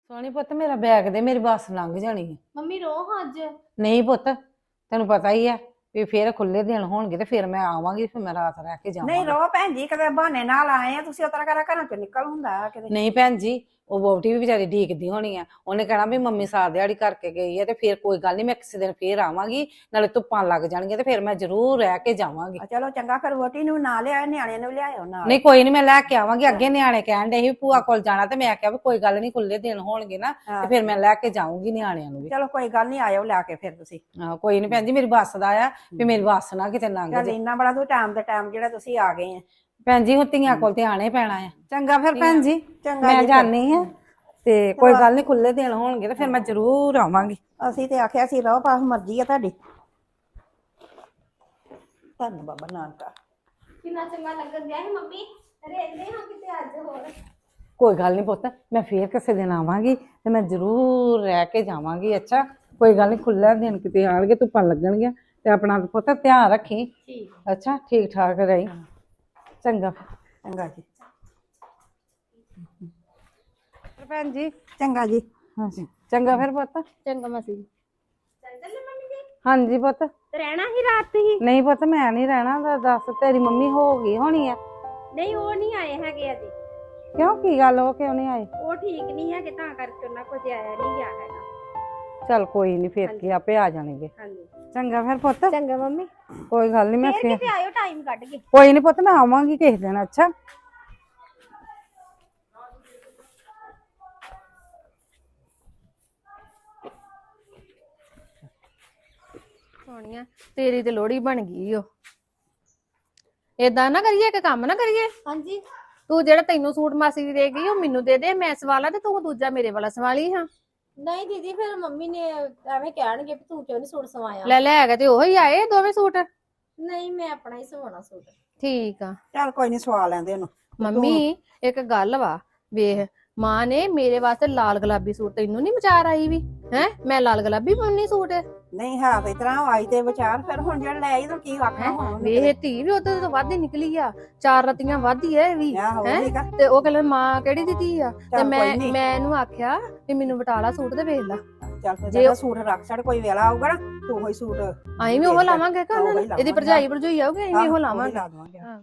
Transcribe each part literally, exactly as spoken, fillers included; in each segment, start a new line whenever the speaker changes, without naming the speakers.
ਸੋਹਣੀ ਪੁੱਤ ਮੇਰਾ ਬੈਗ ਦੇ ਮੇਰੀ ਬੱਸ ਲੰਘ ਜਾਣੀ ਹੈ।
ਮੰਮੀ ਰੋਹ ਅੱਜ।
ਨਹੀਂ ਪੁੱਤ ਤੈਨੂੰ ਪਤਾ ਹੀ ਹੈ ਵੀ ਫੇਰ ਖੁੱਲੇ ਦਿਨ ਹੋਣਗੇ ਤੇ ਫਿਰ ਮੈਂ ਆਵਾਂਗੀ ਫਿਰ ਮੈਂ ਰਾਤ ਰਹਿ ਕੇ
ਨਹੀਂ
ਜਾਵਾਂਗੀ।
ਰੋ ਭੈਣ ਜੀ ਕਦੇ ਬਹਾਨੇ ਨਾਲ ਆਏ ਆ ਤੁਸੀਂ ਉਤਰਾ ਕਰਾ ਘਰਾਂ ਚੋਂ ਨਿਕਲ ਹੁੰਦਾ ਕਿਤੇ।
ਨਹੀਂ ਭੈਣ ਜੀ ਉਹ ਵਹੁਟੀ ਵੀ ਵਿਚਾਰੀ ਢੀਕਦੀ ਹੋਣੀ ਆ, ਉਹਨੇ ਕਹਿਣਾ ਵੀ ਮੰਮੀ ਸਾਰ ਦਿਹਾੜੀ ਕਰਕੇ ਗਈ ਹੈ ਤੇ ਫਿਰ ਕੋਈ ਗੱਲ ਨਹੀਂ ਮੈਂ ਕਿਸੇ ਦਿਨ ਫੇਰ ਆਵਾਂਗੀ, ਨਾਲੇ ਧੁੱਪਾਂ ਲੱਗ ਜਾਣਗੀਆਂ ਤੇ ਫਿਰ ਮੈਂ ਜ਼ਰੂਰ ਰਹਿ ਕੇ ਜਾਵਾਂਗੀ।
ਆ ਚਲੋ ਚੰਗਾ ਫਿਰ ਵੋਟੀ ਨੂੰ ਨਾ ਲਿਆਇਓ ਨਿਆਣੇ ਨੂੰ ਲਿਆਇਓ ਨਾਲ।
ਨਹੀਂ ਕੋਈ ਨਹੀਂ ਮੈਂ ਲੈ ਕੇ ਆਵਾਂਗੀ। ਅੱਗੇ ਨਿਆਣੇ ਕਹਿਣ ਦੇ ਸੀ ਵੀ ਭੂਆ ਕੋਲ ਜਾਣਾ ਤੇ ਮੈਂ ਕਿਹਾ ਵੀ ਕੋਈ ਗੱਲ ਨਹੀਂ ਖੁੱਲੇ ਦਿਨ ਹੋਣਗੇ ਨਾ ਤੇ ਫਿਰ ਮੈਂ ਲੈ ਕੇ ਜਾਊਂਗੀ ਨਿਆਣਿਆਂ ਨੂੰ ਵੀ।
ਚਲੋ ਕੋਈ ਗੱਲ ਨਹੀਂ ਆਇਓ ਲੈ ਕੇ ਫਿਰ ਤੁਸੀਂ।
ਹਾਂ ਕੋਈ ਨਹੀਂ ਭੈਣ ਜੀ ਮੇਰੀ ਬੱਸ ਦਾ ਆ ਵੀ ਮੇਰੀ ਬੱਸ ਨਾ ਕਿਤੇ ਲੰਘ
ਚੱਲ
ਜੇ।
ਇੰਨਾ ਬੜਾ ਤੂੰ ਟਾਈਮ ਦੇ ਟਾਈਮ ਜਿਹੜਾ ਤੁਸੀਂ ਆ ਗਏ ਆ।
ਭੈਣ ਜੀ ਹੁਣ ਧੀਆਂ ਕੋਲ ਤੇ ਆਣਾ ਹੀ ਪੈਣਾ ਆ। ਚੰਗਾ ਫਿਰ ਭੈਣ ਜੀ
ਚੰਗਾ
ਮੈਂ
ਜੀ ਫਿਰ।
ਜਾਣੀ ਆ ਤੇ ਕੋਈ ਗੱਲ ਨਹੀਂ ਖੁੱਲੇ ਦਿਨ ਹੋਣਗੇ ਤੇ ਫਿਰ ਮੈਂ ਜ਼ਰੂਰ ਆਵਾਂਗੀ।
ਅਸੀਂ ਤੇ ਆਖਿਆ ਸੀ ਰਹੋ ਪਾਸ ਮਰਜ਼ੀ ਆ ਤੁਹਾਡੀ। ਧੰਨ ਬਾਬਾ ਨਾਨਕਾ।
ਕਿੰਨਾ ਚੰਗਾ ਲੱਗਣ ਦਿਆ ਸੀ ਮੰਮੀ। ਰਹਿੰਦੇ ਹਾਂ ਕਿਤੇ ਅੱਜ ਹੋਰ।
ਕੋਈ ਗੱਲ ਨਹੀਂ ਪੁੱਤ ਮੈਂ ਫੇਰ ਕਿਸੇ ਦਿਨ ਆਵਾਂਗੀ ਤੇ ਮੈਂ ਜ਼ਰੂਰ ਰਹਿ ਕੇ ਜਾਵਾਂਗੀ। ਅੱਛਾ ਕੋਈ ਗੱਲ ਨਹੀਂ ਖੁੱਲਾ ਦਿਨ ਕਿਤੇ ਆਣਗੇ ਧੁੱਪਾਂ ਲੱਗਣਗੀਆਂ ਤੇ ਆਪਣਾ ਪੁੱਤ ਧਿਆਨ ਰੱਖੀ।
ਠੀਕ।
ਅੱਛਾ ਠੀਕ ਠਾਕ ਰਹੀ। ਚੰਗਾ
ਚੰਗਾ ਜੀ।
ਫਿਰ ਭੈਣ ਜੀ।
ਚੰਗਾ ਜੀ।
ਹਾਂਜੀ ਚੰਗਾ ਫਿਰ ਪੁੱਤ।
ਚੰਗਾ ਮਾਸੀ ਜੀ। ਚੱਲ ਚੱਲੇ ਮੰਮੀ ਜੀ।
ਹਾਂਜੀ ਪੁੱਤ।
ਤੇ ਰਹਿਣਾ ਹੀ ਰਾਤ ਹੀ।
ਨਹੀਂ ਪੁੱਤ ਮੈਂ ਨਹੀਂ ਰਹਿਣਾ। ਤਾਂ ਦੱਸ ਤੇਰੀ ਮੰਮੀ ਹੋ ਗਈ ਹੋਣੀ ਆ।
ਨਹੀਂ ਉਹ ਨਹੀਂ ਆਏ ਹੈਗੇ ਅਜੇ।
ਕਿਉਂ ਕੀ ਗੱਲ ਉਹ ਕਿਉਂ ਨਹੀਂ ਆਏ?
ਉਹ ਠੀਕ ਨਹੀਂ ਹੈਗੇ ਤਾਂ ਕਰਕੇ ਉਹਨਾਂ ਕੋਲ ਆਇਆ ਨਹੀਂ ਗਿਆ ਹੈਗਾ।
ਚੱਲ ਕੋਈ ਨਹੀਂ ਫੇਰ ਕੀ ਆਪੇ ਆ ਜਾਣਗੇ।
ਹਾਂਜੀ
ਚੰਗਾ ਫਿਰ ਪੁੱਤ।
ਚੰਗਾ ਮੰਮੀ।
ਕੋਈ ਗੱਲ ਨਹੀਂ ਮੈਂ
ਫੇਰ
ਫੇਰ
ਕਿਤੇ ਆਇਓ ਟਾਈਮ ਕੱਢ ਕੇ।
ਕੋਈ ਨਹੀਂ ਪੁੱਤ ਮੈਂ ਆਵਾਂਗੀ ਕਿਸੇ ਦਿਨ। ਅੱਛਾ
ਸੋਹਣੀਆ ਤੇਰੀ ਤੇ ਲੋੜੀ ਬਣ ਗਈ ਓ। ਏਦਾਂ ਨਾ ਕਰੀਏ ਕਿ ਕੰਮ ਨਾ ਕਰੀਏ। ਹਾਂਜੀ ਤੂੰ ਜਿਹੜਾ ਤੈਨੂੰ ਸੂਟ ਮਾਸੀ ਦੀ ਦੇ ਗਈ ਉਹ ਮੈਨੂੰ ਦੇ ਦੇ, ਮੈਂ ਸਵਾਲਾ ਤੇ ਤੂੰ ਦੂਜਾ ਮੇਰੇ ਵਾਲਾ ਸਵਾਲੀ। ਹਾਂ
ਨਹੀਂ ਦੀਦੀ ਫਿਰ ਮੰਮੀ ਨੇ ਐਵੇਂ ਕਹਿਣਗੇ ਵੀ ਤੂੰ ਕਿਉਂ ਨੀ ਸੂਟ ਸਵਾਇਆ।
ਲੈ ਲੈ ਕੇ ਤੇ ਉਹੀ ਆਏ ਦੋਵੇਂ ਸੂਟ।
ਨਹੀਂ ਮੈਂ ਆਪਣਾ ਹੀ ਸਵਾਉਣਾ ਸੂਟ।
ਠੀਕ ਆ
ਚੱਲ ਕੋਈ ਨਹੀਂ ਸਵਾ ਲੈਂਦੇ ਉਹਨੂੰ।
ਮੰਮੀ ਇੱਕ ਗੱਲ ਵਾ ਵੇਖ, ਮਾਂ ਨੇ ਮੇਰੇ ਵਾਸਤੇ ਲਾਲ ਗੁਲਾਬੀ ਸੂਟ, ਤੈਨੂੰ ਨੀ ਵਿਚਾਰ ਆਈ ਵੀ ਹੈ ਮੈਂ ਲਾਲ ਗੁਲਾਬੀ ਪਾਉਣੀ ਸੂਟ।
ਨਹੀਂ ਹੈ ਤੇ ਇਤਰਾ ਆਈ ਤੇ ਵਿਚਾਰ ਫਿਰ ਹੁਣ ਜਿਹੜਾ ਲੈ ਆਈ ਤਾਂ ਕੀ ਆਖਣਾ ਹੁਣ ਉਹਨੂੰ ਕਿਤੇ।
ਵੇਖ ਧੀ ਵੀ ਉਹਦੇ ਤੋਂ ਵੱਧ ਹੀ ਨਿਕਲੀ ਆ, ਚਾਰ ਰਤੀਆਂ ਵੱਧ ਹੀ ਐ ਇਹ ਵੀ
ਆਹੋ
ਹੈਂ?
ਠੀਕ ਆ।
ਤੇ ਉਹ ਕਹਿੰਦਾ ਮਾਂ ਕਿਹੜੀ ਦੀ ਧੀ ਆ। ਤੇ
ਚੱਲ
ਮੈਂ
ਕੋਈ ਨੀ।
ਮੈਂ ਇਹਨੂੰ ਆਖਿਆ ਵੀ ਮੈਨੂੰ ਬਟਾਲਾ ਸੂਟ ਤੇ ਵੇਖ ਲਾ।
ਚੱਲ ਫਿਰ
ਜੇ
ਜਿਹੜਾ ਸੂਟ ਰੱਖ ਛੜ ਕੋਈ ਵੇਲਾ ਆਊਗਾ ਨਾ ਤੂੰ ਉਹੀ ਸੂਟ।
ਅਸੀਂ ਵੀ ਉਹ ਲਾਵਾਂਗੇ ਕਿ ਉਹਨਾਂ
ਉਹੀ
ਨੇ ਇਹਦੀ
ਲਾਵਾਂਗੇ।
ਭਰਜਾਈ ਭਰਜੂਈ ਆਊਗੀ ਅਸੀਂ ਵੀ ਉਹ
ਆਹੋ,
ਲਾਵਾਂਗੇ।
ਲਾ ਦੇਵਾਂਗੇ।
ਹਾਂ।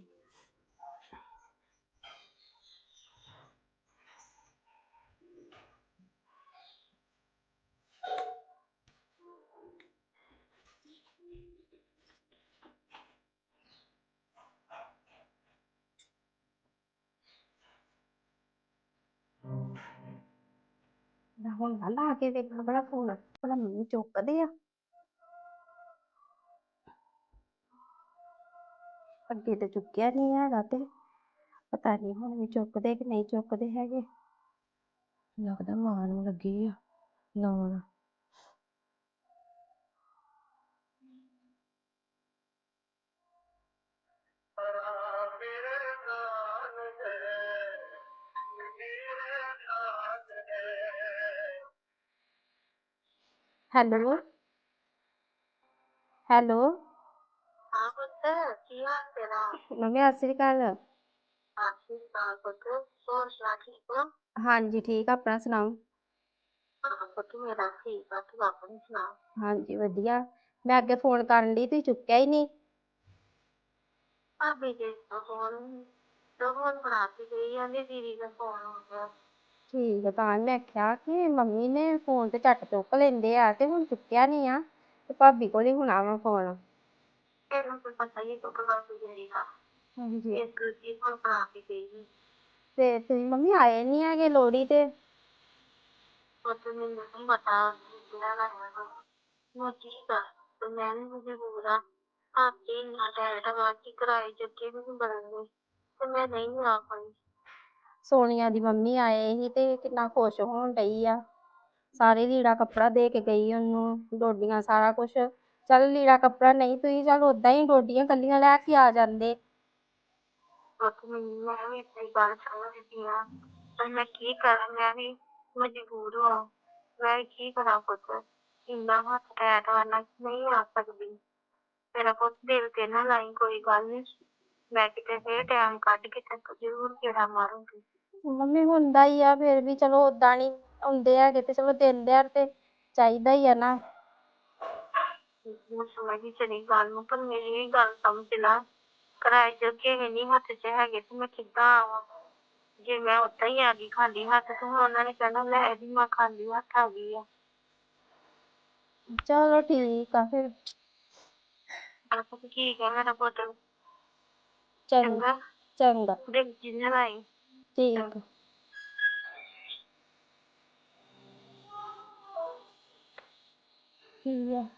ਹੁਣ ਨਾ ਲਾ ਕੇ ਵੇਖਣਾ ਬੜਾ ਫੋਨ ਭਲਾ ਮੰਮੀ ਚੁੱਕਦੇ ਆ। ਅੱਗੇ ਤੇ ਚੁੱਕਿਆ ਨਹੀਂ ਹੈਗਾ ਤੇ ਪਤਾ ਨਹੀਂ ਹੁਣ ਵੀ ਚੁੱਕਦੇ ਕਿ ਨਹੀਂ ਚੁੱਕਦੇ ਹੈਗੇ। ਲੱਗਦਾ ਮਾਂ ਨੂੰ ਲੱਗੀ ਆ ਲਾਉਣ। ਹੈਲੋ ਹੈਲੋ
ਹਾਂ ਪੁੱਤ ਕੀ ਹਾਲ ਤੇਰਾ?
ਮੰਮੀ ਸਤਿ ਸ੍ਰੀ ਅਕਾਲ।
ਸਤਿ ਸ਼੍ਰੀ ਅਕਾਲ ਪੁੱਤ, ਹੋਰ ਸੁਣਾ ਠੀਕ ਹੋ?
ਹਾਂਜੀ ਠੀਕ ਆ, ਆਪਣਾ ਸੁਣਾਓ?
ਹਾਂ ਪੁੱਤ ਮੇਰਾ ਠੀਕ ਆ, ਤੂੰ ਆਪਣੀ ਸੁਣਾ?
ਹਾਂਜੀ ਵਧੀਆ। ਮੈਂ ਅੱਗੇ ਫੋਨ ਕਰਨ ਲਈ ਤੁਸੀਂ ਚੁੱਕਿਆ ਹੀ ਨਹੀਂ।
ਭਾਬੀ ਜੀ ਦਾ ਫੋਨ ਤਾਂ ਫੋਨ ਬਣਾ ਕੇ ਗਈ ਆ, ਦੀਦੀ ਦਾ ਫੋਨ ਹੋ ਗਿਆ।
ਠੀਕ ਆ, ਤਾਂ ਮੈਂ ਆਖਿਆ ਕਿ ਮੰਮੀ ਨੇ ਫੋਨ ਤੇ ਝੱਟ ਚੁੱਕ ਲੈਂਦੇ ਆ ਤੇ ਹੁਣ ਚੁੱਕਿਆ ਨਹੀਂ ਆ ਤੇ ਭਾਬੀ ਕੋਲ ਹੀ ਹੋਣਾ ਵਾ ਫੋਨ।
ਤੈਨੂੰ ਤਾਂ ਪਤਾ ਹੀ ਕਦੋਂ ਬਣਾ ਕੇ ਗਈ ਆ।
ਹਾਂਜੀ
ਇਸ ਕਰਕੇ ਫੋਨ ਬਣਾ ਕੇ ਗਈ।
ਤੇ ਤੁਸੀਂ ਮੰਮੀ ਆਏ ਨਹੀਂ ਹੈਗੇ ਲੋਹੜੀ ਤੇ।
ਪੁੱਤ ਮੈਨੂੰ ਨਹੀਂ ਪਤਾ ਕਿਹੜਾ ਕਰਨਾ ਮੈਂ ਕੀ ਕਰ ਤੇ ਮੈਂ ਵੀ ਮਜਬੂਰ ਆ। ਆਪੇ ਇੰਨਾ ਟੈਟ ਵਾ ਕਿ ਕਿਰਾਏ ਜੱਗੇ ਵੀ ਨਹੀਂ ਬਣਨਗੇ ਤੇ ਮੈਂ ਨਹੀਂ ਆ ਪਾਈ।
ਸੋਨੀਆ ਦੀ ਮੰਮੀ ਆਏ ਸੀ ਤੇ ਕਿੰਨਾ ਖੁਸ਼ ਹੋਣ ਡਈ ਆ। ਸਾਰੇ ਲੀੜਾ ਕੱਪੜਾ ਦੇ ਕੇ ਗਈ ਉਹਨੂੰ, ਡੋਡੀਆਂ ਸਾਰਾ ਕੁਛ। ਚੱਲ ਲੀੜਾ ਕੱਪੜਾ ਨਹੀਂ ਤੁਸੀਂ ਚੱਲ ਓਦਾਂ ਹੀ ਡੋਡੀਆਂ ਕੱਲੀਆਂ ਲੈ ਕੇ ਆ ਜਾਂਦੇ।
ਪੁੱਤ ਮੈਨੂੰ ਮੈਂ ਵੀ ਆਪਣੀ ਗੱਲ ਸਮਝਦੀ ਹਾਂ ਪਰ ਮੈਂ ਕੀ ਕਰਾਂ, ਮੈਂ ਵੀ ਮਜਬੂਰ ਹਾਂ। ਮੈਂ ਕੀ ਕਰਾਂ ਪੁੱਤ, ਇੰਨਾ ਹੱਥ ਟੈਟ ਵਾ ਨਾ ਨਹੀਂ ਆ ਸਕਦੀ। ਮੇਰਾ ਪੁੱਤ ਦਿਲ ਤੇ ਨਾ ਲਾਈ, ਕੋਈ ਗੱਲ ਨੀ ਮੈਂ ਕਿਤੇ ਫੇਰ ਟਾਈਮ ਕੱਢ ਕੇ ਤੱਕ ਜ਼ਰੂਰ ਗੇੜਾ ਮਾਰੂੰਗੀ।
ਮੰਮੀ ਹੁੰਦਾ ਹੀ ਆ, ਫਿਰ ਵੀ ਚਲੋ ਓਦਾਂ ਨੀ
ਆਉਂਦੇ ਹੈਗੇ ਤੇ ਚਲੋ ਦਿਨ ਦਿਹਾੜ ਤੇ ਚਾਹੀਦਾ ਹੀ ਆ ਨਾ।
ਮੈਂ ਸਮਝੀ ਤੇਰੀ ਗੱਲ ਨੂੰ, ਪਰ ਮੇਰੀ ਵੀ ਗੱਲ ਸਮਝ ਲਾ। ਕਿਰਾਏ ਜੋਗੇ ਵੀ ਨਹੀਂ ਹੱਥ 'ਚ ਹੈਗੇ ਤੇ ਮੈਂ ਕਿੱਦਾਂ ਆਵਾਂ? ਜੇ ਮੈਂ ਓਦਾਂ ਹੀ ਆ ਗਈ ਖਾਲੀ ਹੱਥ ਤੇ ਹੁਣ ਉਹਨਾਂ ਨੇ ਕਹਿਣਾ ਲੈ ਇਹਦੀ ਮਾਂ ਖਾਲੀ ਹੱਥ ਆ ਗਈ ਆ।
ਚਲੋ ਠੀਕ ਆ ਫਿਰ।
ਆਪ ਠੀਕ ਹੈ ਮੇਰਾ ਪੁੱਤ?
ਚੰਗਾ
ਚੰਗਾ,
ਚੰਗਾ
ਦੇਖ ਜਿੰਨੇ ਲਾਈ।
ਠੀਕ ਆ।
ਕੀ ਆ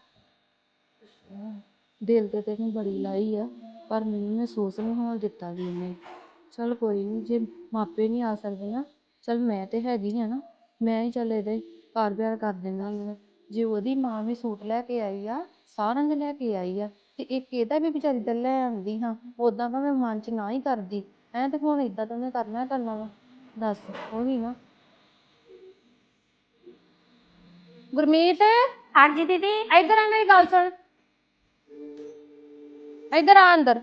ਦਿਲ ਤੇ ਤੈਨੂੰ ਬੜੀ ਲਾਈ ਆ, ਪਰ ਮੈਨੂੰ ਮਹਿਸੂਸ ਨਹੀਂ ਹੋਣ ਦਿੱਤਾ ਵੀ ਇਹਨੇ। ਚਲ ਕੋਈ ਨਹੀਂ, ਜੇ ਮਾਪੇ ਨਹੀਂ ਆ ਸਕਦੇ ਨਾ, ਚਲ ਮੈਂ ਤੇ ਹੈਗੀ ਆ ਨਾ, ਮੈਂ ਹੀ ਚੱਲ ਇਹਦੇ ਘਰ ਵਿਆਹ ਕਰ ਦੇਣਾ ਹੁੰਦਾ। ਜੇ ਉਹਦੀ ਮਾਂ ਵੀ ਸੂਟ ਲੈ ਕੇ ਆਈ ਆ, ਸਾਰਿਆਂ ਦੇ ਲੈ ਕੇ ਆਈ ਆ, ਤੇ ਇੱਕ ਇਹਦਾ ਵੀ ਵਿਚਾਰੀ ਦਾ ਲੈ ਆਉਂਦੀ ਹਾਂ, ਉਦਾਂ ਤਾਂ ਮੈਂ ਮਨ ਚ ਨਾ ਹੀ ਕਰਦੀ ਐ, ਤੇ ਹੁਣ ਏਦਾਂ ਤਾਂ ਮੈਂ ਕਰਨਾ ਕਰਨਾ ਵਾ, ਦੱਸ ਉਹ ਵੀ ਨਾ।
ਗੁਰਮੀਤ
ਹਾਂਜੀ ਦੀਦੀ।
ਇੱਧਰ ਆ, ਮੇਰੀ ਗੱਲ ਸੁਣ, ਇੱਧਰ ਆ ਅੰਦਰ।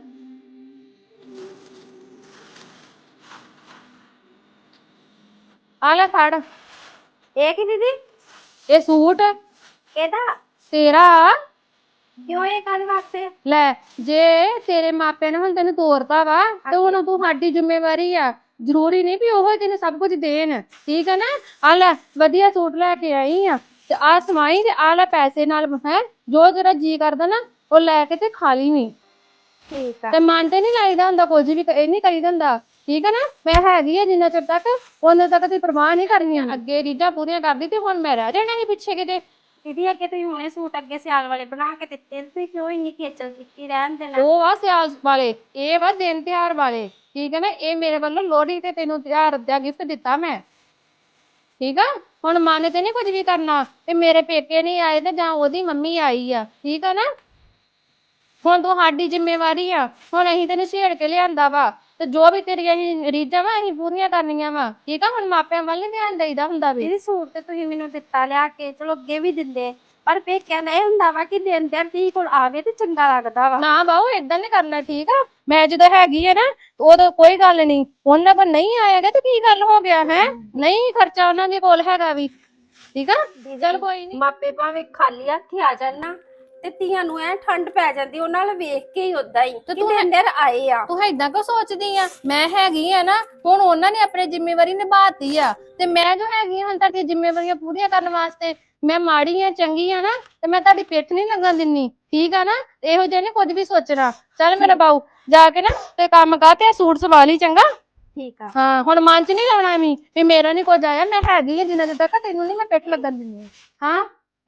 ਆ ਲੈ ਫੜ,
ਇਹ ਕੀ ਦੀਦੀ?
ਇਹ ਸੂਟ
ਇਹਦਾ
ਤੇਰਾ।
ਕਿਉਂ ਇਹ ਕਾਹਦੇ ਵਾਸਤੇ?
ਲੈ ਜੇ ਤੇਰੇ ਮਾਪਿਆਂ ਨੇ ਹੁਣ ਤੈਨੂੰ ਤੋਰਤਾ ਵਾ ਤੇ ਹੁਣ ਤੂੰ ਸਾਡੀ ਜ਼ਿੰਮੇਵਾਰੀ ਆ, ਜ਼ਰੂਰੀ ਨਹੀਂ ਵੀ ਉਹ ਤੈਨੂੰ ਸਭ ਕੁਝ ਦੇਣ, ਠੀਕ ਆ ਨਾ। ਆ ਲੈ ਵਧੀਆ ਸੂਟ ਲੈ ਕੇ ਆਈ ਆ, ਤੇ ਆ ਸਮਾਈ ਤੇ ਆ ਲੈ ਪੈਸੇ ਨਾਲ ਹੈ, ਜੋ ਤੇਰਾ ਜੀ ਕਰਦਾ ਨਾ ਉਹ ਲੈ ਕੇ ਤੇ ਖਾ ਲਈ ਵੀ।
ਠੀਕ ਆ।
ਤੇ ਮਨ ਤੇ ਨਹੀਂ ਲਾਈਦਾ ਹੁੰਦਾ ਕੁਝ ਵੀ, ਇਹ ਨਹੀਂ ਕਰੀਦਾ ਹੁੰਦਾ, ਠੀਕ ਆ ਨਾ। ਮੈਂ ਹੈਗੀ ਆ ਜਿੰਨਾ ਚਿਰ ਤੱਕ, ਉਹਨਾਂ ਤੱਕ ਦੀ ਪਰਵਾਹ ਨਹੀਂ ਕਰਨੀ ਆ। ਅੱਗੇ ਰੀਝਾਂ ਪੂਰੀਆਂ ਕਰਦੀ ਤੇ ਹੁਣ ਮੈਂ ਰਹਿ ਜਾਣਾ ਸੀ ਪਿੱਛੇ ਕਿਤੇ।
ਦੀਦੀ ਅੱਗੇ ਤੁਸੀਂ ਹੁਣੇ ਸੂਟ ਅੱਗੇ ਸਿਆਲ ਵਾਲੇ ਬਣਾ ਕੇ ਦਿੱਤੇ ਨੇ, ਤੁਸੀਂ ਕਿਉਂ ਇੰਨੀ ਖੇਚਲ ਕੀਤੀ? ਰਹਿਣ ਦੇਣਾ।
ਉਹ ਆ ਸਿਆਲ ਵਾਲੇ, ਇਹ ਵਾ ਦਿਨ ਤਿਉਹਾਰ ਵਾਲੇ, ਠੀਕ ਹੈ ਨਾ। ਇਹ ਮੇਰੇ ਵੱਲੋਂ ਲੋਹੜੀ ਤੇ ਤੈਨੂੰ ਤਿਉਹਾਰ ਦਾ ਗਿਫਟ ਦਿੱਤਾ ਮੈਂ, ਠੀਕ ਆ। ਹੁਣ ਮਨ ਤੇ ਨਹੀਂ ਕੁਝ ਵੀ ਕਰਨਾ ਤੇ ਮੇਰੇ ਪੇਕੇ ਨਹੀਂ ਆਏ ਤੇ ਜਾਂ ਉਹਦੀ ਮੰਮੀ ਆਈ ਆ, ਠੀਕ ਆ ਨਾ। ਹੁਣ ਤੂੰ ਸਾਡੀ ਜ਼ਿੰਮੇਵਾਰੀ ਆ, ਹੁਣ ਅਸੀਂ ਤੈਨੂੰ ਛੇੜ ਕੇ ਲਿਆਂਦਾ ਵਾ, ਤੇ ਜੋ ਵੀ ਤੇਰੀਆਂ ਅਸੀਂ ਰੀਝਾਂ ਵਾ ਅਸੀਂ ਪੂਰੀਆਂ ਕਰਨੀਆਂ ਵਾ, ਠੀਕ ਆ। ਹੁਣ ਮਾਪਿਆਂ ਵੱਲ ਨੀ ਧਿਆਨ ਦੇਈਦਾ ਹੁੰਦਾ ਵੀ।
ਦੀਦੀ ਸੂਟ ਤੇ ਤੁਸੀਂ ਮੈਨੂੰ ਦਿੱਤਾ ਲਿਆ ਕੇ, ਚਲੋ ਅੱਗੇ ਵੀ ਦਿੰਦੇ, ਪਰ ਪੇਕਿਆਂ ਦਾ ਇਹ ਹੁੰਦਾ ਵਾ ਕਿ ਦਿਨ ਦਿਨ ਧੀ ਕੋਲ ਆਵੇ ਤੇ ਚੰਗਾ ਲੱਗਦਾ ਵਾ।
ਨਾ ਬਾਊ ਏਦਾਂ ਨੀ ਕਰਨਾ, ਠੀਕ ਆ। ਮੈਂ ਜਦੋਂ ਹੈਗੀ ਆ ਨਾ ਉਦੋਂ ਕੋਈ ਗੱਲ ਨਹੀਂ, ਉਹਨਾਂ ਕੋਲ ਨਹੀਂ ਆਏਗਾ ਤੇ ਕੀ ਗੱਲ ਹੋ ਗਿਆ ਹੈ, ਨਹੀਂ ਖਰਚਾ ਉਹਨਾਂ ਦੇ ਕੋਲ ਹੈਗਾ ਵੀ, ਠੀਕ ਆ। ਚੱਲ ਕੋਈ ਨੀ,
ਮਾਪੇ ਭਾਵੇਂ ਖਾਲੀ ਹੱਥ ਆ ਜਾਣ ਨਾ, ਤੇ ਧੀਆਂ ਨੂੰ ਐ ਠੰਡ ਪੈ ਜਾਂਦੀ ਉਹਨਾਂ ਨਾਲ ਵੇਖ ਕੇ ਹੀ ਉਦਾਂ ਹੀ ਕਿ ਦਿਨ ਦਿਨ ਆਏ ਆ।
ਤੂੰ ਏਦਾਂ ਕਿਉਂ ਸੋਚਦੀ ਆ? ਮੈਂ ਹੈਗੀ ਆ ਨਾ, ਹੁਣ ਉਹਨਾਂ ਨੇ ਆਪਣੀ ਜ਼ਿੰਮੇਵਾਰੀ ਨਿਭਾਤੀ ਆ, ਤੇ ਮੈਂ ਜੋ ਹੈਗੀ ਆ ਹੁਣ ਤੁਹਾਡੀ ਜ਼ਿੰਮੇਵਾਰੀਆਂ ਪੂਰੀਆਂ ਕਰਨ ਵਾਸਤੇ। ਮੈਂ ਮਾੜੀ ਆ ਚੰਗੀ ਆ ਨਾ, ਤੇ ਮੈਂ ਤੁਹਾਡੀ ਪਿੱਠ ਨਹੀਂ ਲੱਗਣ ਦਿੰਨੀ, ਠੀਕ ਆ ਨਾ। ਇਹੋ ਜਿਹੇ ਨੀ ਕੁਝ ਵੀ ਸੋਚਣਾ। ਚੱਲ ਮੇਰਾ ਬਾਊ ਜਾ ਕੇ ਨਾ ਤੇ ਕੰਮ ਕਰ ਤੇ ਸੂਟ ਸਵਾ ਲਈ, ਚੰਗਾ।
ਠੀਕ ਆ।
ਹਾਂ ਹੁਣ ਮਨ ਚ ਨਹੀਂ ਲਾਉਣਾ ਵੀ ਵੀ ਮੇਰਾ ਨੀ ਕੁਝ ਆਇਆ, ਮੈਂ ਹੈਗੀ ਆ ਜਿੰਨਾ ਚਿਰ ਤੱਕ ਤੈਨੂੰ ਨੀ ਮੈਂ ਪਿੱਠ ਲੱਗਣ ਦਿੰਦੀ। ਹਾਂ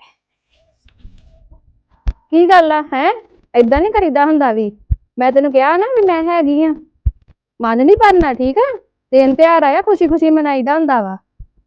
ਕੀ ਗੱਲ ਆ ਹੈ, ਏਦਾਂ ਨੀ ਕਰੀਦਾ ਹੁੰਦਾ ਵੀ। ਮੈਂ ਤੈਨੂੰ ਕਿਹਾ ਨਾ ਵੀ ਮੈਂ ਹੈਗੀ ਆ, ਮਨ ਨੀ ਭਰਨਾ, ਠੀਕ ਆ। ਦਿਨ ਤਿਉਹਾਰ ਆਇਆ, ਖੁਸ਼ੀ ਖੁਸ਼ੀ ਮਨਾਈਦਾ ਹੁੰਦਾ ਵਾ।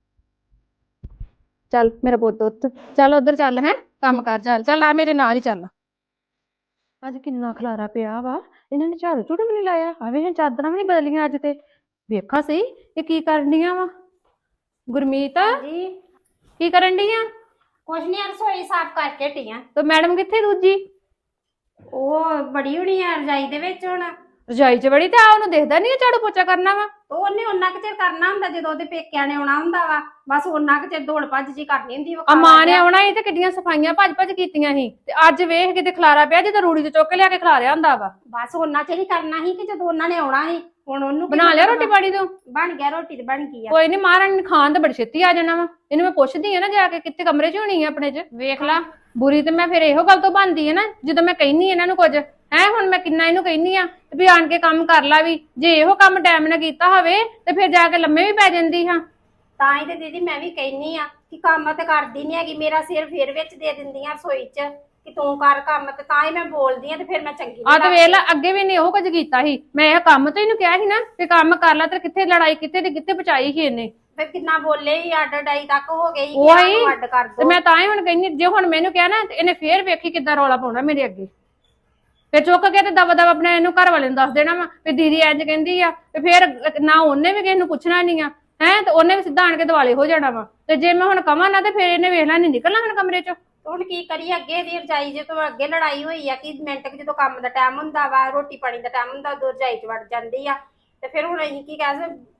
ਚੱਲ ਮੇਰਾ ਪੁੱਤ ਉੱਠ, ਚੱਲ ਉਧਰ ਚੱਲ, ਹੈ ਕੰਮ ਕਰ, ਚੱਲ ਚੱਲ ਆ ਮੇਰੇ ਨਾਲ ਹੀ ਚੱਲ। ਅੱਜ ਕਿੰਨਾ ਖਲਾਰਾ ਪਿਆ ਵਾ, ਇਹਨਾਂ ਨੇ ਝਾੜੂ ਝੂੜੂ ਵੀ ਨੀ ਲਾਇਆ, ਆਵੇ ਚਾਦਰਾਂ ਵੀ ਨੀ ਬਦਲੀਆਂ ਅੱਜ ਤੇ। ਵੇਖਾਂ ਸਹੀ ਇਹ ਕੀ ਕਰਨ ਡੀਆਂ ਵਾ। ਗੁਰਮੀਤ
ਜੀ
ਕੀ ਕਰਨ ਡੀਆਂ?
ਕੁਛ ਨਹੀਂ, ਰਸੋਈ ਸਾਫ਼ ਕਰਕੇ ਹਟੀਆਂ।
ਤੇ ਮੈਡਮ ਕਿੱਥੇ ਦੂਜੀ?
ਉਹ ਬੜੀ ਹੋਣੀ ਆ ਰਜਾਈ ਦੇ ਵਿੱਚ ਹੁਣ।
ਰਜਾਈ ਚ ਬੜੀ, ਤੇ ਆ ਉਹਨੂੰ ਦੇਖਦਾ ਨੀ ਝਾੜੂ ਪੋਚਾ ਕਰਨਾ ਵਾ।
ਉਹਨੇ ਉਹਨਾਂ ਕੁ ਚਿਰ ਕਰਨਾ ਹੁੰਦਾ ਜਦੋਂ ਉਹਦੇ ਪੇਕਿਆਂ ਨੇ ਆਉਣਾ ਹੁੰਦਾ ਵਾ, ਬਸ ਉਹਨਾਂ ਕੁ ਚਿਰ ਦੌੜ ਭੱਜ ਜੀ ਕਰਨੀ ਹੁੰਦੀ।
ਆ ਮਾਂ ਨੇ ਆਉਣਾ ਸੀ ਤੇ ਕਿੱਡੀਆਂ ਸਫਾਈਆਂ ਭੱਜ ਭੱਜ ਕੀਤੀਆਂ ਸੀ, ਤੇ ਅੱਜ ਵੇਖ ਕਿਤੇ ਖਲਾਰਾ ਪਿਆ ਜਿੱਦਾਂ ਰੂੜੀ ਤੇ ਚੁੱਕ ਕੇ ਲਿਆ ਕੇ ਖਲਾਰਿਆ ਹੁੰਦਾ ਵਾ।
ਬਸ ਉਹਨਾਂ ਚਿਰ ਹੀ ਕਰਨਾ ਸੀ ਕਿ ਜਦੋਂ ਉਹਨਾਂ ਨੇ ਆਉਣਾ ਸੀ। ਹੁਣ ਉਹਨੂੰ
ਬਣਾ ਲਿਆ ਰੋਟੀ ਪਾਣੀ ਤੂੰ?
ਬਣ ਗਿਆ, ਰੋਟੀ ਤੇ ਬਣ ਗਈ ਆ।
ਕੋਈ ਨੀ, ਮਹਾਰਾਣੀ ਨੇ ਖਾਣ ਤੇ ਬੜੀ ਛੇਤੀ ਆ ਜਾਣਾ ਵਾ। ਇਹਨੂੰ ਮੈਂ ਪੁੱਛਦੀ ਆ ਨਾ ਜਾ ਕੇ, ਕਿੱਥੇ ਕਮਰੇ ਚ ਹੋਣੀ ਆ ਆਪਣੇ ਚ, ਵੇਖ ਲਾ। ਬੁਰੀ ਤੇ ਮੈਂ ਫਿਰ ਇਹੋ ਗੱਲ ਤੋਂ ਬਣਦੀ ਆ ਨਾ, ਜਦੋਂ ਮੈਂ ਕਹਿੰਨੀ ਇਹਨਾਂ ਨੂੰ ਕੁਝ ਹੈ। ਹੁਣ ਮੈਂ ਕਿੰਨਾ ਇਹਨੂੰ ਕਹਿੰਨੀ ਆ ਵੀ ਆਣ ਕੇ ਕੰਮ ਕਰ ਲਾ ਵੀ, ਜੇ ਇਹੋ ਕੰਮ ਟਾਈਮ ਨਾਲ ਕੀਤਾ ਹੋਵੇ ਤੇ ਫਿਰ ਜਾ ਕੇ ਲੰਮੇ ਵੀ ਪੈ ਜਾਂਦੀ ਹਾਂ।
ਤਾਂ ਹੀ ਤੇ ਦੀਦੀ ਮੈਂ ਵੀ ਕਹਿੰਨੀ ਆ ਕਿ ਕੰਮ ਤੇ ਕਰਦੀ ਨੀ ਹੈਗੀ, ਮੇਰਾ ਸਿਰ ਫੇਰ ਵਿੱਚ ਦੇ ਦਿੰਦੀਆਂ ਰਸੋਈ ਚ ਕਿ ਤੂੰ ਕਰ ਕੰਮ, ਤੇ ਤਾਂ ਹੀ ਮੈਂ ਬੋਲਦੀ ਆ, ਤੇ ਫਿਰ ਮੈਂ ਚੰਗੀ
ਆ ਤੇ ਵੇਖ ਲਾ, ਅੱਗੇ ਵੀ ਨਹੀਂ ਉਹ ਕੁਝ ਕੀਤਾ ਸੀ। ਮੈਂ ਇਹ ਕੰਮ ਤੇ ਇਹਨੂੰ ਕਿਹਾ ਸੀ ਨਾ ਕਿ ਕੰਮ ਕਰ ਲਾ, ਤੇ ਕਿੱਥੇ ਲੜਾਈ ਕਿੱਥੇ ਤੇ ਕਿੱਥੇ ਪਹੁੰਚਾਈ ਸੀ ਇਹਨੇ।
ਫਿਰ ਕਿੰਨਾ ਬੋਲੇ ਹੀ, ਅੱਡ ਡਾਈ ਤੱਕ ਹੋ ਗਈ ਕਿ
ਉਹੀ
ਆਨੂੰ ਅੱਡ ਕਰ
ਤੇ
ਦੋ।
ਮੈਂ ਤਾਂ ਹੀ ਹੁਣ ਕਹਿੰਨੀ, ਜੇ ਹੁਣ ਮੈਨੂੰ ਕਿਹਾ ਨਾ ਤੇ ਇਹਨੇ ਫੇਰ ਵੇਖੀ ਕਿੱਦਾਂ ਰੌਲਾ ਪਾਉਣਾ ਮੇਰੇ ਅੱਗੇ। ਫਿਰ ਚੁੱਕ ਕੇ ਤੇ ਦਵਾ ਦਵਾ ਆਪਣੇ ਇਹਨੂੰ ਘਰ ਵਾਲੇ ਨੂੰ ਦੱਸ ਦੇਣਾ ਵਾ ਵੀ ਦੀਦੀ ਇੰਜ ਕਹਿੰਦੀ ਆ, ਤੇ ਫਿਰ ਨਾ ਉਹਨੇ ਵੀ ਕਿਸੇ ਨੂੰ ਪੁੱਛਣਾ ਨਹੀਂ ਆ, ਹੈ ਤੇ ਉਹਨੇ ਵੀ ਸਿੱਧਾ ਆਣ ਕੇ ਦਿਵਾਲੇ ਹੋ ਜਾਣਾ ਵਾ। ਤੇ ਜੇ ਮੈਂ ਹੁਣ ਕਵਾਂ ਨਾ ਤੇ ਫਿਰ ਇਹਨੇ ਵੇਖ ਲੈ ਨਹੀਂ ਨਿਕਲਣਾ ਹੁਣ ਕਮਰੇ ਚੋਂ।
ਹੁਣ ਕੀ ਕਰੀਏ, ਅੱਗੇ ਦੀ ਰਜਾਈ ਜੇ ਤੋਂ ਅੱਗੇ ਲੜਾਈ ਹੋਈ ਆ ਕਿ ਮਿੰਟ ਜਦੋਂ ਕੰਮ ਦਾ ਟਾਈਮ ਹੁੰਦਾ ਵਾ, ਰੋਟੀ ਪਾਣੀ ਦਾ ਟਾਈਮ ਹੁੰਦਾ, ਉਦੋਂ ਰਜਾਈ ਚ ਵੜ ਜਾਂਦੀ ਆ। ਤੇ ਫਿਰ ਹੁਣ ਅਸੀਂ ਕੀ ਕਹਿ ਸਕਦੇ,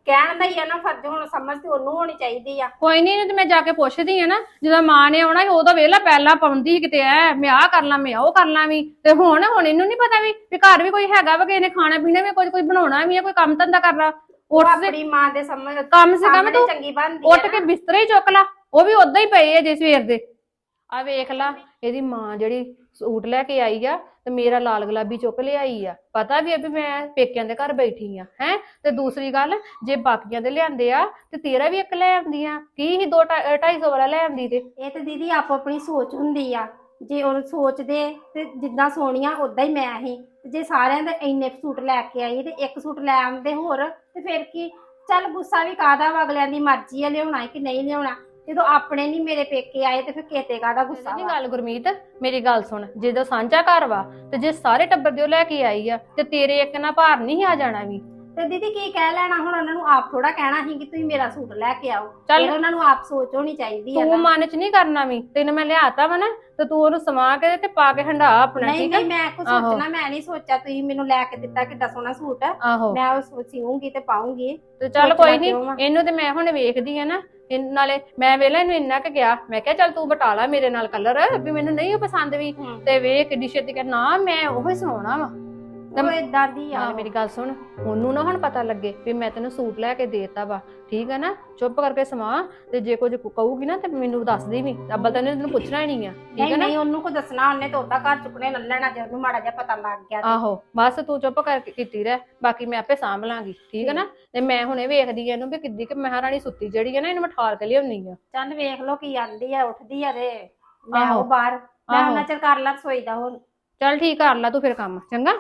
ਕਹਿਣ ਦਾ ਹੀ ਆ ਨਾ ਫਰਜ਼, ਹੁਣ ਸਮਝ ਤੇ ਉਹਨੂੰ ਹੋਣੀ ਚਾਹੀਦੀ ਆ।
ਕੋਈ ਨਹੀਂ, ਇਹਨੂੰ ਤੇ ਮੈਂ ਜਾ ਕੇ ਪੁੱਛਦੀ ਆ ਨਾ, ਜਦੋਂ ਮਾਂ ਨੇ ਆਉਣਾ ਸੀ ਉਦੋਂ ਵੇਲਾ ਪਹਿਲਾਂ ਪਾਉਂਦੀ ਸੀ ਕਿਤੇ ਐ ਮੈਂ ਆਹ ਕਰ ਲਾਂ ਮੈਂ ਉਹ ਕਰ ਲਾਂ ਵੀ, ਤੇ ਹੁਣ ਹੁਣ ਇਹਨੂੰ ਨਹੀਂ ਪਤਾ ਵੀ ਵੀ ਘਰ ਵੀ ਕੋਈ ਹੈਗਾ ਵਾ, ਕਿਸੇ ਨੇ ਖਾਣਾ ਪੀਣਾ ਵੀ, ਕੋਈ ਕੋਈ ਬਣਾਉਣਾ ਵੀ ਆ, ਕੋਈ ਕੰਮ ਧੰਦਾ ਕਰਨਾ।
ਉਹ
ਉੱਠ ਦੇ
ਆਪਣੀ ਮਾਂ ਦੇ ਸਮਝ
ਕੰਮ ਸੇ ਕੰਮ
ਸਾਹਮਣੇ
ਤੂੰ
ਚੰਗੀ ਬਣਦੀ ਆ
ਉੱਠ ਕੇ ਬਿਸਤਰੇ ਹੀ ਚੁੱਕ ਲਾ, ਉਹ ਵੀ ਉਦਾਂ ਹੀ ਪਏ ਆ ਜੇ ਸਵੇਰ ਦੇ। ਆ ਵੇਖ ਲਾ ਇਹਦੀ ਮਾਂ ਜਿਹੜੀ ਸੂਟ ਲੈ ਕੇ ਆਈ ਆ ਤੇ ਮੇਰਾ ਲਾਲ ਗੁਲਾਬੀ ਚੁੱਕ ਲਿਆਈ ਆ, ਪਤਾ ਵੀ ਆ ਵੀ ਮੈਂ ਪੇਕਿਆਂ ਦੇ ਘਰ ਬੈਠੀ ਆ ਹੈ। ਤੇ ਦੂਸਰੀ ਗੱਲ, ਜੇ ਬਾਕੀਆਂ ਦੇ ਲਿਆਂਦੇ ਆ ਤੇ ਤੇਰਾ ਵੀ ਇੱਕ ਲੈ ਆਉਂਦੀ ਆ, ਕੀ ਹੀ ਦੋ ਢਾਈ ਸੌ ਵਾਲਾ ਲੈ ਆਉਂਦੀ। ਤੇ
ਇਹ ਤੇ ਦੀਦੀ ਆਪੋ ਆਪਣੀ ਸੋਚ ਹੁੰਦੀ ਆ, ਜੇ ਉਹ ਸੋਚਦੇ ਤੇ ਜਿੱਦਾਂ ਸੋਹਣੀਆਂ ਉਦਾਂ ਹੀ ਮੈਂ ਹੀ, ਜੇ ਸਾਰਿਆਂ ਦੇ ਇੰਨੇ ਸੂਟ ਲੈ ਕੇ ਆਈ ਤੇ ਇੱਕ ਸੂਟ ਲੈ ਆਉਂਦੇ ਹੋਰ ਤੇ ਫਿਰ ਕੀ। ਚੱਲ ਗੁੱਸਾ ਵੀ ਕਾਹਦਾ ਵਾ, ਅਗਲਿਆਂ ਦੀ ਮਰਜ਼ੀ ਆ ਲਿਆਉਣਾ ਕਿ ਨਹੀਂ ਲਿਆਉਣਾ। ਜਦੋਂ ਆਪਣੇ ਨਹੀਂ ਮੇਰੇ ਪੇਕੇ ਆਏ ਤੇ ਫਿਰ ਕਿਤੇ ਕਾਹਦਾ ਗੁੱਸਾ
ਨਹੀਂ
ਵਾ।
ਗੱਲ ਗੁਰਮੀਤ, ਮੇਰੀ ਗੱਲ ਸੁਣ, ਜਦੋਂ ਸਾਂਝਾ ਘਰ ਵਾ ਤੇ ਜੇ ਸਾਰੇ ਟੱਬਰ ਦੇ ਉਹ ਲੈ ਕੇ ਆਈ ਆ ਤੇ ਤੇਰੇ ਇੱਕ ਨਾ ਭਾਰ ਨਹੀਂ ਆ ਜਾਣਾ ਵੀ।
ਤੇ ਦੀਦੀ ਕੀ ਕਹਿ ਲੈਣਾ ਹੁਣ, ਉਹਨਾਂ ਨੂੰ ਆਪ ਥੋੜਾ ਕਹਿਣਾ ਸੀ ਕਿ ਤੁਸੀਂ ਮੇਰਾ ਸੂਟ ਲੈ ਕੇ ਆਓ।
ਚੱਲ।
ਫਿਰ ਉਹਨਾਂ ਨੂੰ ਆਪ ਸੋਚ ਹੋਣੀ ਚਾਹੀਦੀ ਆ
ਤੂੰ
ਨਾ।
ਮਨ ਚ ਨਹੀਂ ਕਰਨਾ ਵੀ, ਤੈਨੂੰ ਮੈਂ ਲਿਆਤਾ ਵਾ ਨਾ ਤੇ ਤੂੰ ਉਹਨੂੰ ਸਮਾ ਕੇ ਤੇ ਪਾ ਕੇ ਹੰਡਾ ਆਪਣਾ,
ਨਹੀਂ
ਠੀਕ ਆ।
ਨਹੀਂ ਮੈਂ ਕੁਝ
ਆਹੋ।
ਸੋਚਣਾ ਮੈਂ ਨਹੀਂ ਸੋਚਿਆ, ਤੁਸੀਂ ਮੈਨੂੰ ਲੈ ਕੇ ਦਿੱਤਾ ਕਿੱਡਾ ਸੋਹਣਾ ਸੂਟ,
ਆਹੋ
ਮੈਂ ਉਹ ਸਿਉਂਗੀ ਤੇ ਪਾਉਂਗੀ।
ਤੇ ਚੱਲ
ਸੋਚਣਾ
ਕੋਈ ਨਹੀਂ,
ਕਿਉਂ ਵਾ?
ਇਹਨੂੰ ਤੇ ਮੈਂ ਹੁਣ ਵੇਖਦੀ ਆ ਨਾ, ਇਹ ਨਾਲੇ ਮੈਂ ਵੇਲਾ ਇਹਨੂੰ ਇੰਨਾ ਕਿ ਗਿਆ, ਮੈਂ ਕਿਹਾ ਚੱਲ ਤੂੰ ਬਟਾ ਲਾ ਮੇਰੇ ਨਾਲ ਕਲਰ ਵੀ ਮੈਨੂੰ ਨਹੀਂ ਉਹ ਪਸੰਦ ਵੀ,
ਹੂੰ।
ਤੇ ਵੇਖ ਕਿੱਡੀ ਛੇਤੀ ਕਰ ਨਾ ਮੈਂ ਉਹੀ ਸਵਾਉਣਾ ਵਾ।
ਉਹ ਏਦਾਂ ਦੀ ਆ।
ਨਾਲੇ ਮੇਰੀ ਗੱਲ ਸੁਣ, ਉਹਨੂੰ ਨਾ ਹੁਣ ਪਤਾ ਲੱਗੇ ਵੀ ਮੈਂ ਤੈਨੂੰ ਸੂਟ ਲੈ ਕੇ ਦੇਤਾ ਵਾ, ਠੀਕ ਹੈ ਨਾ। ਚੁੱਪ ਕਰਕੇ ਸਮਾ, ਤੇ ਜੇ ਕੁਝ ਕਹੂਗੀ ਨਾ ਤੇ ਮੈਨੂੰ ਦੱਸ ਦੇ ਵੀ, ਅੱਬਲ ਤਾਂ ਤੈਨੂੰ ਪੁੱਛਣਾ ਹੀ ਨਹੀਂ ਆ, ਠੀਕ
ਨਹੀਂ
ਹੈ ਨਾ।
ਨਹੀਂ ਉਹਨੂੰ ਕੋ ਦੱਸਣਾ, ਉਹਨੇ ਤਾਂ ਉਹਦਾ ਘਰ ਚੁੱਕਣੇ ਲੈ ਲੈਣਾ ਜੇ ਉਹਨੂੰ ਮਾੜਾ ਜਿਹਾ ਪਤਾ ਲੱਗ ਗਿਆ ਤੇ।
ਆਹੋ ਬਸ ਤੂੰ ਚੁੱਪ ਕਰਕੇ ਕੀਤੀ ਰਹਿ, ਬਾਕੀ ਮੈਂ ਆਪੇ ਸਾਂਭ ਲਾਂਗੀ, ਠੀਕ ਹੈ ਨਾ। ਤੇ ਮੈਂ ਹੁਣੇ ਵੇਖਦੀ ਆ ਇਹਨੂੰ ਵੀ ਕਿੱਦੀ ਕਿ ਮਹਾਰਾਣੀ ਸੁੱਤੀ ਜਿਹੜੀ ਹੈ ਨਾ, ਇਹਨੂੰ ਮੈਂ ਠਾਲ ਕੇ ਲਿਆਉਣੀ ਆ।
ਚੱਲ ਵੇਖ ਲੋ ਕੀ ਆਂਦੀ ਆ, ਉੱਠਦੀ ਆ ਤੇ ਮੈਂ
ਆਹੋ।
ਉਹ ਬਾਹਰ ਮੈਂ
ਆਹੋ।
ਉਹਨਾਂ ਚਿਰ ਕਰ ਲਾ ਰਸੋਈ ਦਾ ਹੁਣ।
ਚੱਲ ਠੀਕ, ਕਰ ਲਾ ਤੂੰ ਫਿਰ ਕੰਮ, ਚੰਗਾ।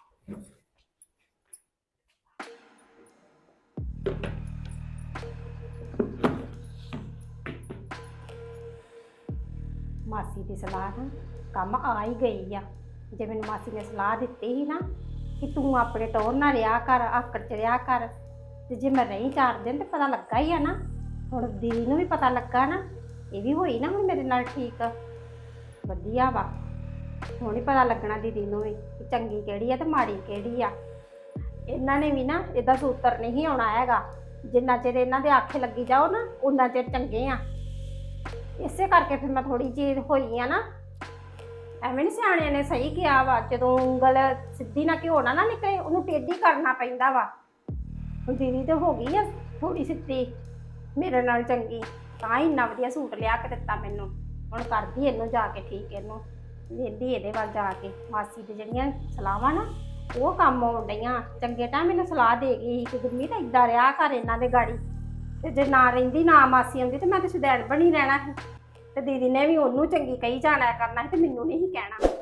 ਮਾਸੀ ਦੀ ਸਲਾਹ ਨਾ ਕੰਮ ਆ ਹੀ ਗਈ ਆ। ਜੇ ਮੈਨੂੰ ਮਾਸੀ ਨੇ ਸਲਾਹ ਦਿੱਤੀ ਸੀ ਨਾ ਕਿ ਤੂੰ ਆਪਣੇ ਟੌਰ ਨਾਲ ਰਿਹਾ ਕਰ, ਆਕੜ ਚ ਰਿਹਾ ਕਰ, ਤੇ ਜੇ ਮੈਂ ਰਹੀ ਚਾਰ ਦਿਨ ਤੇ ਪਤਾ ਲੱਗਾ ਹੀ ਆ ਨਾ। ਹੁਣ ਦੀਦੀ ਨੂੰ ਵੀ ਪਤਾ ਲੱਗਾ ਨਾ, ਇਹ ਵੀ ਹੋਈ ਨਾ ਹੁਣ ਮੇਰੇ ਨਾਲ ਠੀਕ, ਵਧੀਆ ਵਾ। ਹੁਣ ਹੀ ਪਤਾ ਲੱਗਣਾ ਦੀਦੀ ਨੂੰ ਵੀ ਕਿ ਚੰਗੀ ਕਿਹੜੀ ਆ ਤੇ ਮਾੜੀ ਕਿਹੜੀ ਆ। ਇਹਨਾਂ ਨੇ ਵੀ ਨਾ ਇਹਦਾ ਸੂਤਰ ਨਹੀਂ ਆਉਣਾ ਹੈਗਾ, ਜਿੰਨਾ ਚਿਰ ਇਹਨਾਂ ਦੇ ਆਖੇ ਲੱਗੀ ਜਾਓ ਨਾ ਉਨਾ ਚਿਰ ਚੰਗੇ ਆ। ਇਸੇ ਕਰਕੇ ਫਿਰ ਮੈਂ ਥੋੜੀ ਜਿਹੀ ਹੋਈ ਆ ਨਾ, ਐਵੇਂ ਨਹੀਂ ਸਿਆਣਿਆਂ ਨੇ ਸਹੀ ਕਿਹਾ ਵਾ, ਜਦੋਂ ਉਂਗਲ ਸਿੱਧੀ ਨਾ ਘਿਓ ਨਾ ਨਿਕਲੇ ਉਹਨੂੰ ਟੇਢੀ ਕਰਨਾ ਪੈਂਦਾ ਵਾ। ਹੁਣ ਦੀਦੀ ਤੇ ਹੋ ਗਈ ਆ ਥੋੜੀ ਸਿੱਧੀ ਮੇਰੇ ਨਾਲ ਚੰਗੀ, ਤਾਂ ਹੀ ਇੰਨਾ ਵਧੀਆ ਸੂਟ ਲਿਆ ਕੇ ਦਿੱਤਾ ਮੈਨੂੰ। ਹੁਣ ਕਰਦੀ ਇਹਨੂੰ ਜਾ ਕੇ ਠੀਕ, ਇਹਨੂੰ ਵੇਂਦੀ ਇਹਦੇ ਵੱਲ ਜਾ ਕੇ। ਮਾਸੀ ਦੀ ਜਿਹੜੀਆਂ ਸਲਾਹਾਂ ਨਾ ਉਹ ਕੰਮ ਆਉਣ ਡਈਆਂ। ਚੰਗੇ ਟਾਈਮ ਮੈਨੂੰ ਸਲਾਹ ਦੇ ਗਈ ਕਿ ਗੁਰਮੀਤ ਏਦਾਂ ਰਿਹਾ ਕਰ ਇਹਨਾਂ ਦੇ ਗਾੜੀ, ਤੇ ਜੇ ਨਾ ਰਹਿੰਦੀ ਨਾ ਮਾਸੀ ਆਉਂਦੀ ਤੇ ਮੈਂ ਤੇ ਸੁਦੈਣ ਬਣੀ ਰਹਿਣਾ ਸੀ। ਤੇ ਦੀਦੀ ਨੇ ਵੀ ਉਹਨੂੰ ਚੰਗੀ ਕਹੀ ਜਾਣਾ ਕਰਨਾ ਸੀ ਤੇ ਮੈਨੂੰ ਨਹੀਂ ਕਹਿਣਾ।